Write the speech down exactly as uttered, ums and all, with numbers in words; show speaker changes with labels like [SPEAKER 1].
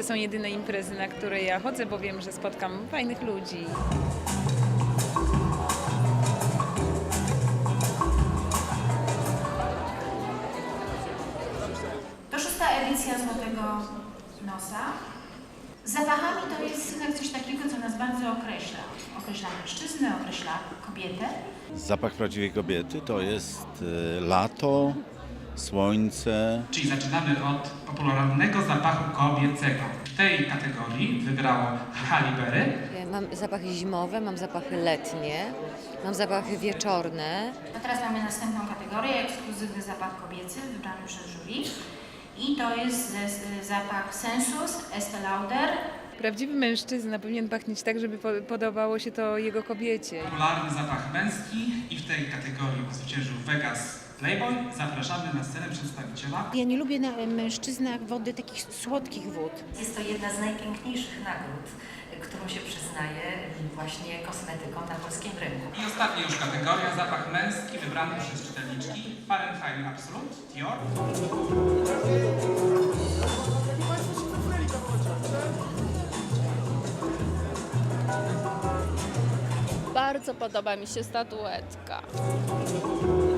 [SPEAKER 1] są jedyne imprezy, na które ja chodzę, bo wiem, że spotkam fajnych ludzi.
[SPEAKER 2] To szósta edycja Złotego Nosa. Zapachami to jest jednak coś takiego, co nas bardzo określa. Określa mężczyznę, określa kobietę.
[SPEAKER 3] Zapach prawdziwej kobiety to jest e, lato, słońce.
[SPEAKER 4] Czyli zaczynamy od popularnego zapachu kobiecego. W tej kategorii wygrało Halle Berry.
[SPEAKER 5] Mam zapachy zimowe, mam zapachy letnie, mam zapachy wieczorne.
[SPEAKER 2] A teraz mamy następną kategorię, ekskluzywny zapach kobiecy wybrany przez jury. I to jest z- zapach Sensus, Estée Lauder.
[SPEAKER 1] Prawdziwy mężczyzna powinien pachnieć tak, żeby po- podobało się to jego kobiecie.
[SPEAKER 4] Popularny zapach męski i w tej kategorii zwyciężył Vegas Playboy. Zapraszamy na scenę przedstawiciela.
[SPEAKER 6] Ja nie lubię na mężczyznach wody, takich słodkich wód.
[SPEAKER 7] Jest to jedna z najpiękniejszych nagród, którą się przyznaje właśnie kosmetykom na polskim rynku.
[SPEAKER 4] I ostatnia już kategoria, zapach męski wybrany przez czytelniczki Fahrenheit Absolute, Dior.
[SPEAKER 8] Bardzo podoba mi się statuetka.